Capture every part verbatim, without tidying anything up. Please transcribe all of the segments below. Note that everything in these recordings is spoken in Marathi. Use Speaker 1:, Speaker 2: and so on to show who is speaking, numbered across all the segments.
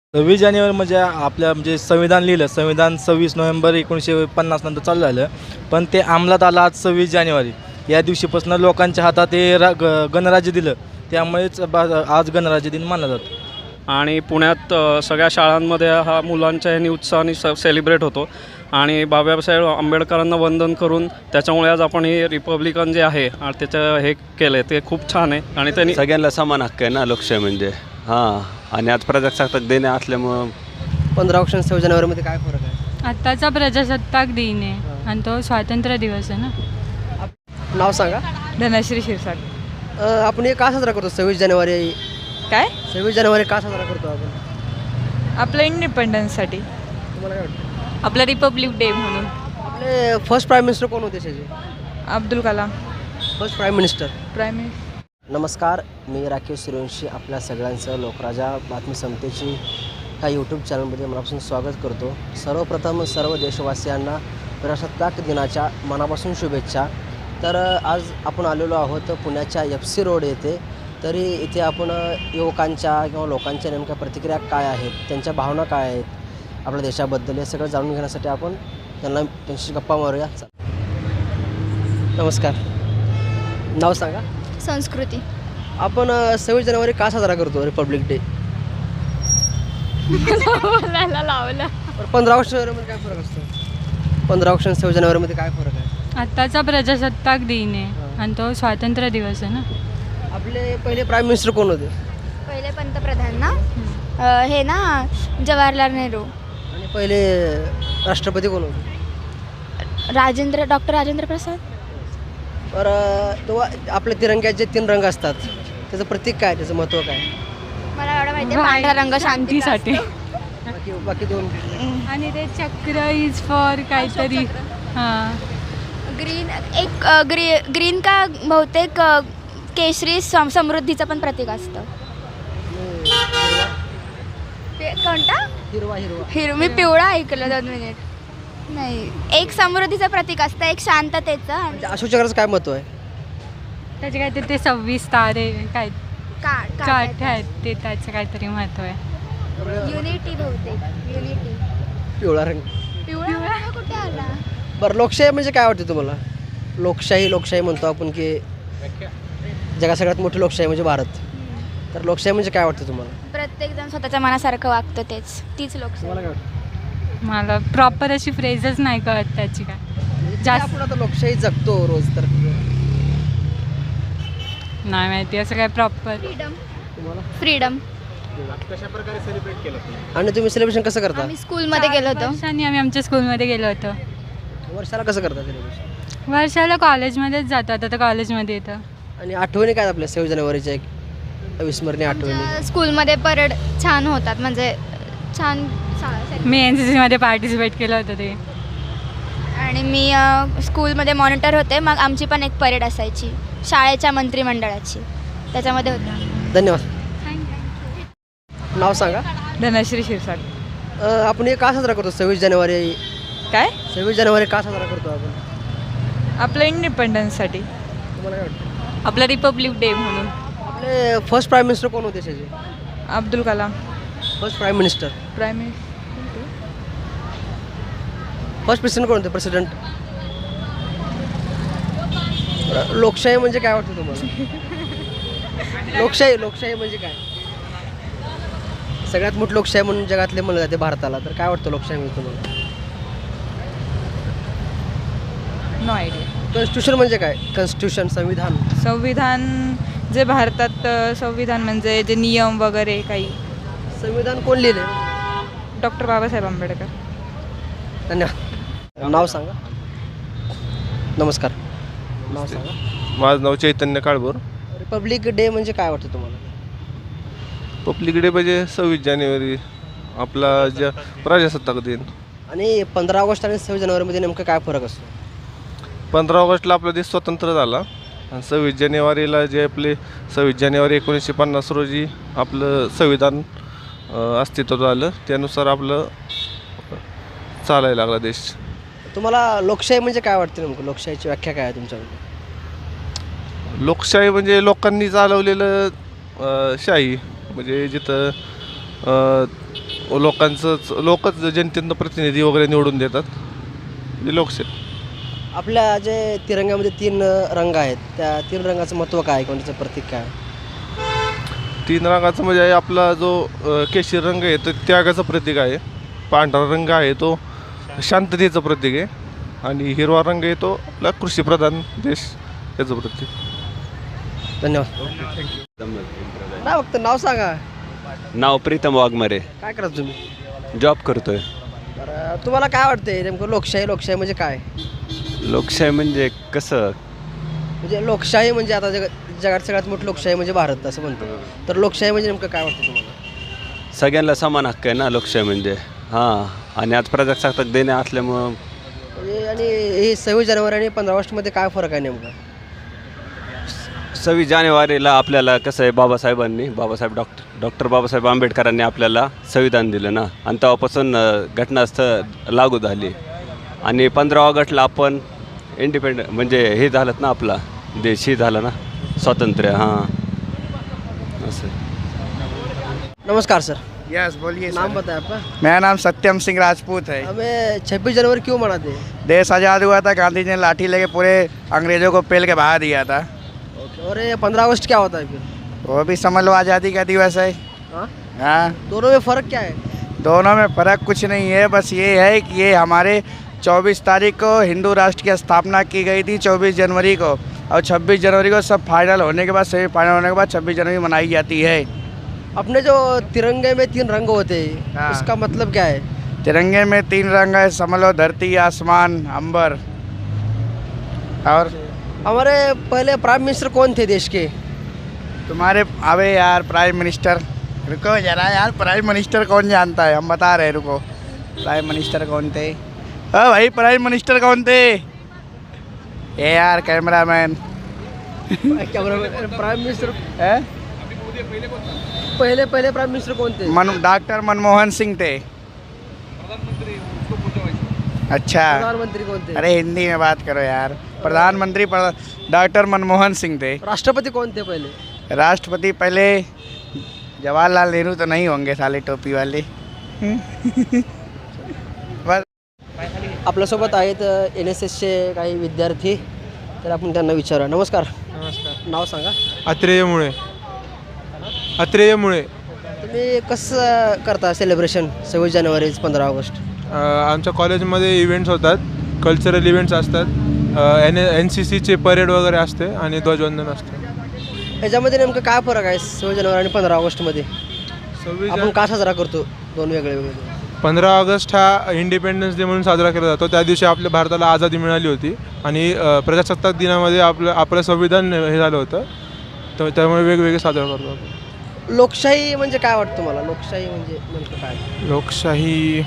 Speaker 1: सव्वीस जानेवारी म्हणजे आपल्या म्हणजे संविधान लिहिलं. संविधान सव्वीस नोव्हेंबर एकोणीसशे पन्नास नंतर चालू झालं, पण ते अंमलात आलं आज सव्वीस जानेवारी या दिवशीपासून लोकांच्या हातात हे रा ग गणराज्य दिलं. त्यामुळेच बा आज गणराज्य दिन मानला जातो.
Speaker 2: आणि पुण्यात अ, सगळ्या शाळांमध्ये हा मुलांच्या ह्यानी उत्साहाने स सेलिब्रेट होतो. आणि बाबासाहेब आंबेडकरांना वंदन करून त्याच्यामुळे आज आपण हे रिपब्लिकन जे आहे आ, त्याचं हे केलं आहे ते खूप छान आहे. आणि त्यांनी
Speaker 3: सगळ्यांना समान हक्क आहे ना लोकशाही म्हणजे. हां, आणि आज प्रजासत्ताक दिन असल्यामुळं
Speaker 4: पंधरा ऑगस्ट सव्वीस जानेवारीमध्ये काय फरक आहे?
Speaker 5: आत्ताचा प्रजासत्ताक दिन आहे आणि तो स्वातंत्र्य दिवस आहे ना.
Speaker 4: नाव सांगा.
Speaker 5: धनश्री शिरसाट.
Speaker 4: अ, आपण हे का साजरा करतो सव्वीस जानेवारी?
Speaker 5: काय?
Speaker 4: सव्वीस जानेवारी का साजरा करतो आपण?
Speaker 5: आपलं इंडिपेंडन्ससाठी.
Speaker 4: तुम्हाला काय वाटतं?
Speaker 5: आपलं रिपब्लिक डे म्हणून.
Speaker 4: आपले फर्स्ट प्राईम मिनिस्टर कोण होते त्याचे?
Speaker 5: Abdul Kalam.
Speaker 4: First prime minister.
Speaker 5: Prime minister.
Speaker 4: नमस्कार, मी राकेश सूर्यवंशी आपल्या सगळ्यांचं लोकराजा बातमी समतेची ह्या यूट्यूब चॅनलमध्ये मनापासून स्वागत करतो. सर्वप्रथम सर्व देशवासियांना प्रजासत्ताक दिनाच्या मनापासून शुभेच्छा. तर आज आपण आलेलो आहोत पुण्याच्या एफ सी रोड येथे. तरी इथे आपण युवकांच्या किंवा लोकांच्या नेमक्या प्रतिक्रिया काय आहेत, त्यांच्या भावना काय आहेत आपल्या देशाबद्दल, हे सगळं जाणून घेण्यासाठी आपण त्यांना त्यांची गप्पा मारूया. नमस्कार. नाव सांगा.
Speaker 6: संस्कृती.
Speaker 4: आपण सव्वीस जानेवारी का साजरा करतो रिपब्लिक डे?
Speaker 5: बोलायला लावलं.
Speaker 4: पंधरा ऑगस्ट जानेवारीमध्ये काय फरक असतो? पंधरा ऑगस्ट सव्वीस जानेवारीमध्ये काय फरक आहे?
Speaker 5: आत्ताचा प्रजासत्ताक दिन आहे आणि तो स्वातंत्र्य दिवस आहे ना.
Speaker 4: आपले पहिले प्राईम मिनिस्टर कोण होते?
Speaker 6: पहिले पंतप्रधान ना अ, हे ना जवाहरलाल नेहरू.
Speaker 4: आणि पहिले राष्ट्रपती कोण होते?
Speaker 6: राजेंद्र डॉक्टर राजेंद्र प्रसाद.
Speaker 4: बरं, तो आपल्या तिरंग्याचे तीन रंग असतात, त्याचं प्रतीक काय, त्याचं महत्त्व काय?
Speaker 6: मला एवढं माहिती आहे, पांढरा रंग शांतीसाठी.
Speaker 4: बाकी बाकी दोन
Speaker 5: आणि ते चक्र इज फॉर काहीतरी. हां.
Speaker 6: ग्रीन एक अ, ग्री ग्रीन का बहुतेक अ, केशरी सम समृद्धीचं पण प्रतीक असतं. पे- कोणता?
Speaker 4: हिरवा हिरवा
Speaker 6: हिरो मी पिवळा ऐकलं. दोन मिनिट. नाही, एक समृद्धीचं प्रतीक असतं, एक शांततेचं आणि
Speaker 4: म्हणजे अशोक चक्राचं काय महत्त्व आहे?
Speaker 5: त्याचे काहीतरी ते सव्वीस तारे काय
Speaker 6: का
Speaker 5: काठ आहेत ते त्याचं काहीतरी महत्त्व आहे.
Speaker 6: युनिटी बहुतेक युनिटी.
Speaker 4: पिवळा रंग.
Speaker 6: पिवळा रंग कुठे आला?
Speaker 4: बरं, लोकशाही म्हणजे काय वाटतं तुम्हाला? लोकशाही लोकशाही म्हणतो आपण की जगात सगळ्यात मोठी लोकशाही म्हणजे भारत. तर लोकशाही म्हणजे काय वाटतं तुम्हाला?
Speaker 6: प्रत्येक जण स्वतःच्या मनासारखं वागतं, तेच तीच लोकशाही.
Speaker 4: तुम्हाला काय वाटतं?
Speaker 5: मला प्रॉपर अशी फ्रेजच नाही कळत त्याची काय.
Speaker 4: जास्त
Speaker 5: जास्त
Speaker 4: आपण आता लोकशाही जगतो रोज, तर
Speaker 5: नाही माहिती असं काय प्रॉपर.
Speaker 6: फ्रीडम.
Speaker 4: तुम्हाला?
Speaker 6: फ्रीडम.
Speaker 4: आणि तुम्ही सेलिब्रेशन कसं करता?
Speaker 6: आम्ही स्कूलमध्ये गेलो होतो.
Speaker 5: वर्षांनी आम्ही आमच्या स्कूलमध्ये गेलो होतो.
Speaker 4: वर्षाला कसं करता सेलिब्रेशन?
Speaker 5: वर्षाला कॉलेजमध्येच जातात, आता कॉलेजमध्ये येतं.
Speaker 4: आणि आठवणी काय आपल्या सव्वीस जानेवारीच्या एक अविस्मरणीय आठवणी?
Speaker 6: आमच्या स्कूलमध्ये परेड छान होतात, म्हणजे छान सा-
Speaker 5: मी एन सी सीमध्ये पार्टिसिपेट केलं होतं ते.
Speaker 6: आणि मी अ, स्कूलमध्ये मॉनिटर होते. मग आमची पण एक परेड असायची शाळेच्या मंत्रिमंडळाची, त्याच्यामध्ये होतं.
Speaker 4: धन्यवाद. नाव सांगा.
Speaker 5: धनश्री शिरसाट.
Speaker 4: अ, आपण हे का साजरा करतो सव्वीस जानेवारी?
Speaker 5: काय?
Speaker 4: सव्वीस जानेवारी का साजरा करतो आपण?
Speaker 5: आपलं इंडिपेंडन्ससाठी.
Speaker 4: तुम्हाला काय वाटतं?
Speaker 5: आपलं रिपब्लिक डे म्हणून.
Speaker 4: आपले फर्स्ट प्राईम मिनिस्टर कोण होते त्याचे?
Speaker 5: Abdul Kalam.
Speaker 4: First prime minister.
Speaker 5: Prime minister.
Speaker 4: First president कोण होते? प्रेसिडेंट. लोकशाही म्हणजे काय वाटतं तुम्हाला? लोकशाही लोकशाही म्हणजे काय? सगळ्यात मोठी लोकशाही म्हणून जगातले म्हणलं जाते भारताला. तर काय वाटतं लोकशाही म्हणजे तुम्हाला?
Speaker 5: No idea.
Speaker 4: कॉन्स्टिट्यूशन म्हणजे काय? कॉन्स्टिट्यूशन संविधान.
Speaker 5: संविधान जे भारतात अ, संविधान म्हणजे जे नियम वगैरे काही.
Speaker 4: संविधान कोण लिहिले?
Speaker 5: डॉक्टर बाबासाहेब आंबेडकर.
Speaker 4: धन्यवाद. नाव सांगा. नमस्कार. नाव सांगा.
Speaker 7: माझं नाव चैतन्य काळभोर.
Speaker 4: रिपब्लिक डे म्हणजे काय वाटतं तुम्हाला?
Speaker 7: पब्लिक डे म्हणजे सव्वीस जानेवारी आपला ज्या प्रजासत्ताक दिन.
Speaker 4: आणि पंधरा ऑगस्ट आणि सव्वीस जानेवारीमध्ये नेमकं काय फरक असतो?
Speaker 7: पंधरा ऑगस्टला आपला देश स्वतंत्र झाला आणि सव्वीस जानेवारीला जे आपले सव्वीस जानेवारी एकोणीसशे पन्नास रोजी आपलं संविधान अ, अस्तित्वात आलं. त्यानुसार आपलं चालायला लागला देश.
Speaker 4: तुम्हाला लोकशाही म्हणजे काय वाटतं नेमकं? लोकशाहीची व्याख्या काय आहे तुमच्याकडे?
Speaker 7: लोकशाही म्हणजे लोकांनी चालवलेलं अ, शाही म्हणजे जिथं अ, लोकांचंच लोकच जनतेनं प्रतिनिधी वगैरे निवडून देतात. ही लोकशाही.
Speaker 4: आपल्या जे तिरंग्यामध्ये तीन रंग आहेत त्या तीन रंगाचं महत्त्व काय, कोणत्याचं प्रतीक काय?
Speaker 7: तीन रंगाचं म्हणजे आहे आपला जो अ, केशरी रंग आहे तो त्यागाचं प्रतीक आहे. पांढरा रंग आहे तो शांततेचं प्रतीक आहे. आणि हिरवा रंग आहे तो आपला कृषीप्रधान देश याचं प्रतीक.
Speaker 4: धन्यवाद. नाव फक्त नाव सांगा.
Speaker 3: नाव प्रीतम वाघमारे.
Speaker 4: काय करता तुम्ही?
Speaker 3: जॉब करतोय.
Speaker 4: बरं, तुम्हाला काय वाटतंय नेमकं लोकशाही लोकशाही म्हणजे काय?
Speaker 3: लोकशाही म्हणजे कसं?
Speaker 4: म्हणजे लोकशाही म्हणजे आता जग जगात सगळ्यात मोठी लोकशाही म्हणजे भारत असं म्हणतो. तर लोकशाही म्हणजे नेमकं काय वाटतं तुम्हाला?
Speaker 3: सगळ्यांना समान हक्क आहे ना लोकशाही म्हणजे. हां, आणि आज प्रजासत्ताक दिन असल्यामुळं
Speaker 4: म्हणजे आणि हे सव्वीस जानेवारी आणि पंधरा ऑगस्टमध्ये काय फरक आहे नेमका?
Speaker 3: सव्वीस जानेवारीला आपल्याला कसं आहे, बाबासाहेबांनी बाबासाहेब डॉक्टर डॉक्टर बाबासाहेब आंबेडकरांनी आपल्याला संविधान दिलं ना, आणि तेव्हापासून अ, घटनास्थळ लागू झाली. आणि पंधरा ऑगस्टला आपण इंडिपेंडंट म्हणजे हे झालं ना, आपला देश हे झाला ना स्वातंत्र्य. हां, असं.
Speaker 4: नमस्कार सर.
Speaker 8: यस बोलिए
Speaker 4: नाम
Speaker 8: सर।
Speaker 4: बताएं आपका?
Speaker 8: मेरा नाम सत्यम सिंह राजपूत है।
Speaker 4: हमें छब्बीस जनवरी क्यों मनाते हैं?
Speaker 8: देश आज़ाद हुआ था, गांधी जी ने लाठी लेके पूरे अंग्रेज़ों को पेल के भगा दिया था।
Speaker 4: और ये पंद्रह अगस्त क्या होता है फिर?
Speaker 8: वो भी समझ लो आज़ादी का दिवस है।
Speaker 4: हाँ,
Speaker 8: हाँ,
Speaker 4: दोनों में फ़र्क क्या है?
Speaker 8: दोनों में फ़र्क कुछ नहीं है, बस ये है कि ये हमारे चौबीस तारीख को हिंदू राष्ट्र की स्थापना की गई थी, चौबीस जनवरी को, और छब्बीस जनवरी को सब फाइनल होने के बाद सेमीफाइनल होने के बाद छब्बीस जनवरी मनाई जाती है।
Speaker 4: अपने जो तिरंगे में तीन रंग होते हैं
Speaker 8: हाँ।
Speaker 4: उसका मतलब क्या है?
Speaker 8: तिरंगे में तीन रंग है, समझ लो धरती, आसमान, अंबर। और
Speaker 4: हमारे पहले प्राइम मिनिस्टर कौन थे देश के?
Speaker 8: तुम्हारे अबे यार प्राइम मिनिस्टर, रुको जरा यार, प्राइम मिनिस्टर कौन जानता है, हम बता रहे, रुको। प्राइम मिनिस्टर कौन थे? हाँ भाई, प्राइम मिनिस्टर कौन थे? ए यार कैमरामैन।
Speaker 4: क्या प्राइम मिनिस्टर
Speaker 8: है?
Speaker 4: पहले पहले प्राइम मिनिस्टर कौन थे?
Speaker 8: मन डॉक्टर मनमोहन सिंह थे। अच्छा,
Speaker 4: प्रधानमंत्री कौन थे?
Speaker 8: अरे हिंदी में बात करो यार। प्रधानमंत्री डॉक्टर मनमोहन सिंह थे।
Speaker 4: राष्ट्रपति कौन थे पहले?
Speaker 8: राष्ट्रपति पहले जवाहरलाल नेहरू तो नहीं होंगे साले टोपी वाले। बस
Speaker 4: आपल्यासोबत आहेत एन एस एसचे काही विद्यार्थी, तर आपण त्यांना विचारूया. नमस्कार.
Speaker 9: नमस्कार.
Speaker 4: नाव सांगा.
Speaker 9: अत्रेयमुळे अत्रेयमुळे
Speaker 4: तुम्ही कसं करता सेलिब्रेशन सव्वीस जानेवारी पंधरा ऑगस्ट?
Speaker 9: आमच्या कॉलेजमध्ये इव्हेंट्स होतात, कल्चरल इव्हेंट्स असतात, एन एन सी सीचे परेड वगैरे असते आणि ध्वजवंदन असते.
Speaker 4: याच्यामध्ये नेमकं काय फरक आहे सव्वीस जानेवारी आणि पंधरा ऑगस्टमध्ये?
Speaker 9: सव्वीस
Speaker 4: आपण का साजरा करतो दोन वेगळे वेगळे?
Speaker 9: पंधरा ऑगस्ट हा इंडिपेंडन्स डे म्हणून साजरा केला जातो. त्या दिवशी आपल्या भारताला आझादी मिळाली होती आणि अ, प्रजासत्ताक दिनामध्ये आपलं आपलं संविधान हे झालं होतं, तर त्यामुळे वेगवेगळे साजरा करतो आपण.
Speaker 4: लोकशाही म्हणजे काय वाटतं मला? लोकशाही म्हणजे नेमकं काय?
Speaker 9: लोकशाही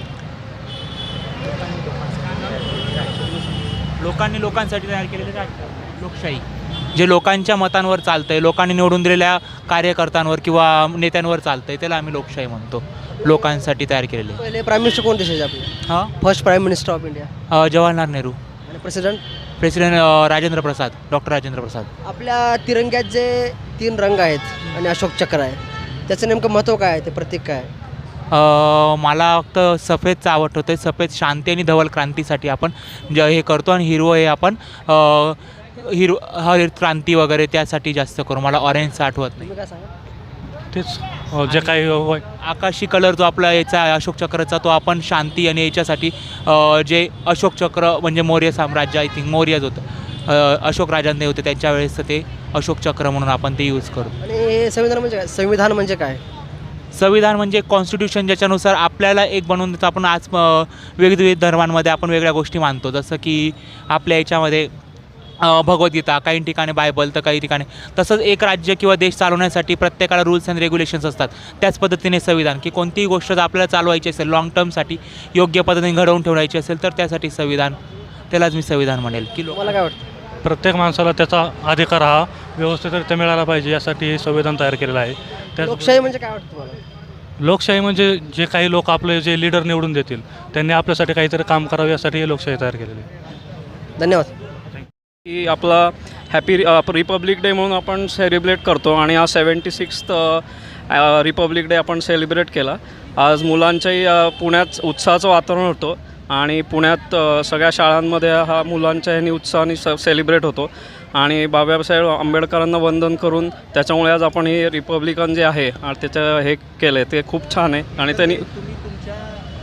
Speaker 10: लोकांनी लोकांसाठी तयार केलेले राजकारण लोकशाही, जे लोकांच्या मतांवर चालतं आहे, लोकांनी निवडून दिलेल्या कार्यकर्त्यांवर किंवा नेत्यांवर चालतं आहे, त्याला आम्ही लोकशाही म्हणतो. लोकांसाठी तयार केलेले.
Speaker 4: पहिले प्राईम मिनिस्टर कोण देशाचे आपले?
Speaker 10: हां,
Speaker 4: first prime minister of India
Speaker 10: Jawaharlal Nehru.
Speaker 4: आणि president?
Speaker 10: President Rajendra Prasad, doctor Rajendra Prasad.
Speaker 4: आपल्या तिरंग्यात जे तीन रंग आहेत आणि अशोक चक्र आहे, त्याचं नेमकं महत्त्व काय आहे, ते प्रतीक काय आहे?
Speaker 10: अ, मला फक्त सफेदचं आवडतं होतं. सफेद शांती आणि धवल क्रांतीसाठी आपण ज हे करतो, आणि हिरवं हे आपण अ, हिरव हरित क्रांती वगैरे त्यासाठी जास्त करू. मला ऑरेंजचं आठवत नाही.
Speaker 4: तुम्ही काय सांगा?
Speaker 2: तेच जे काही होय.
Speaker 10: आकाशी कलर जो आपला याचा अशोक चक्राचा, तो आपण शांती आणि याच्यासाठी अ, जे अशोक चक्र म्हणजे मौर्य साम्राज्य, आय थिंक मौर्यच होतं, अ, अशोक राजांनी होते त्यांच्या वेळेस ते अशोक चक्र म्हणून आपण ते यूज करू.
Speaker 4: आणि हे संविधान म्हणजे काय? संविधान म्हणजे काय?
Speaker 10: संविधान म्हणजे कॉन्स्टिट्यूशन, ज्याच्यानुसार आपल्याला एक बनवून देतं. आपण आज अ, वेगवेगळ्या धर्मांमध्ये आपण वेगळ्या गोष्टी मानतो, जसं की आपल्या याच्यामध्ये अ, भगवद्गीता, काही ठिकाणी बायबल, तर काही ठिकाणी तसंच एक राज्य किंवा देश चालवण्यासाठी प्रत्येकाला रूल्स अँड रेग्युलेशन्स असतात. त्याच पद्धतीने संविधान, की कोणतीही गोष्ट जर आपल्याला चालवायची असेल, लाँग टर्मसाठी योग्य पद्धतीने घडवून ठेवायची असेल, तर त्यासाठी संविधान, त्यालाच मी संविधान म्हणेल. की
Speaker 4: मला काय वाटतं?
Speaker 2: प्रत्येक माणसाला त्याचा अधिकार हा व्यवस्थितरित्या मिळाला पाहिजे, यासाठी हे संविधान तयार केलेलं आहे. त्या
Speaker 4: लोकशाही म्हणजे काय वाटतं तुम्हाला?
Speaker 2: लोकशाही म्हणजे जे काही लोक आपले जे लीडर निवडून देतील, त्यांनी आपल्यासाठी काहीतरी काम करावं, यासाठी हे लोकशाही तयार केलेली आहे.
Speaker 4: धन्यवाद.
Speaker 2: की आपला हॅपी रिपब्लिक डे म्हणून आपण सेलिब्रेट करतो, आणि हा सेवन्टी सिक्स्थ रिपब्लिक डे आपण सेलिब्रेट केला. आज मुलांच्याही अ, पुण्यात उत्साहाचं वातावरण होतं आणि पुण्यात अ, सगळ्या शाळांमध्ये हा मुलांच्या ह्यानी उत्साहाने स सेलिब्रेट होतो आणि बाबासाहेब आंबेडकरांना वंदन करून त्याच्यामुळे आज आपण हे रिपब्लिकन जे आहे आणि त्याचं हे केलं आहे ते खूप छान आहे. आणि त्यांनी
Speaker 11: तुम्ही तुमच्या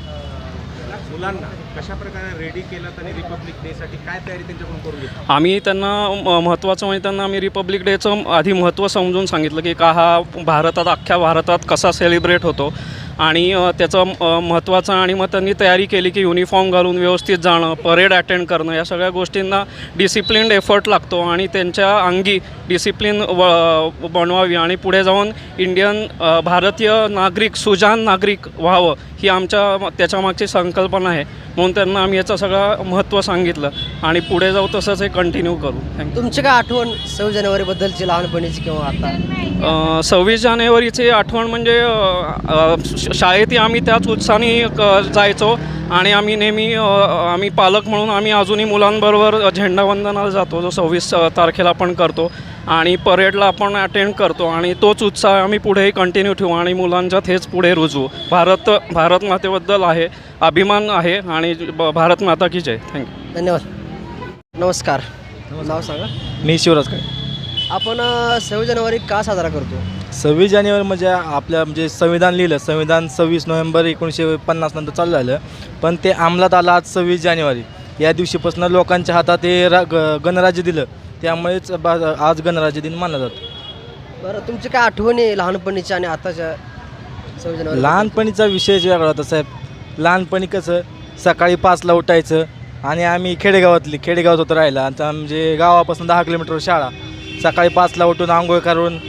Speaker 11: अ, मुलांना कशा प्रकारे रेडी केलं आणि रिपब्लिक डेसाठी काय तयारी त्यांच्याकडून करून घेतली?
Speaker 2: आम्ही त्यांना म महत्त्वाचं म्हणजे त्यांना आम्ही रिपब्लिक डेचं आधी महत्त्व समजून सांगितलं की का हा भारतात अख्ख्या भारतात कसा सेलिब्रेट होतो आणि अ, त्याचं अ, महत्त्वाचं आणि मग त्यांनी तयारी केली की युनिफॉर्म घालून व्यवस्थित जाणं, परेड अटेंड करणं, या सगळ्या गोष्टींना डिसिप्लिन्ड एफर्ट लागतो आणि त्यांच्या अंगी डिसिप्लिन व बनवावी आणि पुढे जाऊन इंडियन अ, भारतीय नागरिक सुजाण नागरिक व्हावं ही आमच्या त्याच्यामागची संकल्पना आहे. म्हणून त्यांना आम्ही याचं सगळं महत्त्व सांगितलं आणि पुढे जाऊ तसंच हे कंटिन्यू करू. थँक्यू.
Speaker 4: तुमची काय आठवण सव्वीस जानेवारीबद्दलची लहानपणीची किंवा आता?
Speaker 2: सव्वीस जानेवारीची आठवण म्हणजे अ, अ, श- शाळेतही आम्ही त्याच उत्साहाने क- जायचो आणि आम्ही नेहमी अ, आम्ही पालक म्हणून आम्ही अजूनही मुलांबरोबर झेंडावंदनाला जातो, जो सव्वीस तारखेला आपण करतो आणि परेडला आपण अटेंड करतो आणि तोच उत्साह आम्ही पुढेही कंटिन्यू ठेवू आणि मुलांच्यात हेच पुढे रुजवू. भारत भारत मातेबद्दल आहे अभिमान आहे आणि ब- भारत माता की जय. थँक्यू.
Speaker 4: धन्यवाद. नमस्कार. नाव सांगा.
Speaker 1: मी शिवराज काय.
Speaker 4: आपण अ, सव्वीस जानेवारी का साजरा करतो?
Speaker 1: सव्वीस जानेवारी म्हणजे आपल्या म्हणजे संविधान लिहिलं. संविधान सव्वीस नोव्हेंबर एकोणीसशे पन्नास नंतर चालू झालं, पण ते अंमलात आलं आज सव्वीस जानेवारी. या दिवशीपासून लोकांच्या हातात हे रा ग गणराज्य दिलं, त्यामुळेच बा आज गणराज्य दिन मानला जातो.
Speaker 4: बरं, तुमची काय आठवणी लहानपणीच्या आणि आताच्या सव्वीस जानेवारी?
Speaker 1: लहानपणीचा विषयच वेगळा होता साहेब. लहानपणी कसं सकाळी पाचला उठायचं आणि आम्ही खेडेगावातली खेडेगावात होतं राहिला. आता म्हणजे गावापासून दहा किलोमीटर शाळा. सकाळी पाचला उठून आंघोळ करून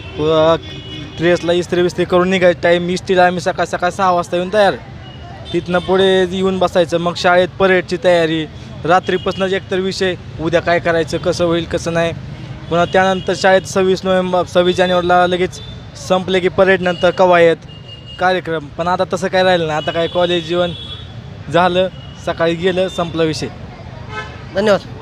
Speaker 1: ड्रेसला इस्त्री बिस्त्री करून निघायचं. टाईम इस्त्रीला आम्ही सकाळ सकाळ सहा वाजता येऊन तयार. तिथनं पुढे येऊन बसायचं. मग शाळेत परेडची तयारी. रात्रीपासूनच एकतर विषय उद्या काय करायचं, कसं होईल कसं नाही. पुन्हा त्यानंतर शाळेत सव्वीस नोव्हेंबर सव्वीस जानेवारीला लगेच संपले की परेडनंतर कवायत कार्यक्रम. पण आता तसं काय राहिलं नाही. आता काय कॉलेज जीवन झालं, सकाळी गेलं, संपला विषय.
Speaker 4: धन्यवाद.